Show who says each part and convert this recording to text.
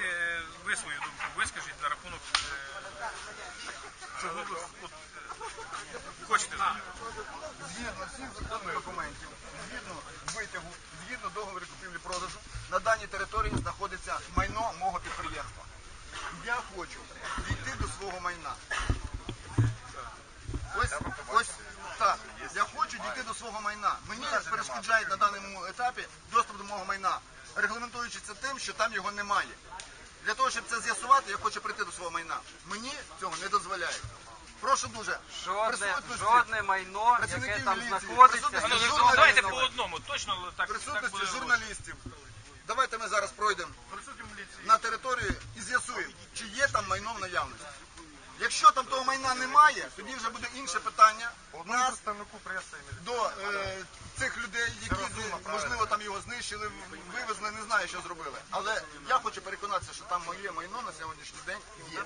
Speaker 1: давайте ви свою думку вискажіть на рахунок цього. Хочете знати?
Speaker 2: Згідно всіх законних документів, згідно витягу, згідно договору купівлі-продажу, на даній території знаходиться майно мого підприємства. Я хочу дійти до свого майна. Ось так. Я хочу дійти до свого майна. Мені перешкоджають на даному етапі доступ до мого майна, регламентуючи це тим, що там його немає. Для того, щоб це з'ясувати, я хочу прийти до свого майна. Мені цього не дозволяють. Прошу дуже.
Speaker 3: Жодне майно, яке там знаходиться.
Speaker 1: Давайте по одному, точно так.
Speaker 2: Присутності журналістів. Давайте ми зараз пройдемо на територію і з'ясуємо, чи є там майно в наявності. Якщо там того майна немає, тоді вже буде інше питання до цих людей, які, можливо, там його знищили, вивезли, не знаю, що зробили. Але я хочу переконатися, що там моє майно на сьогоднішній день є.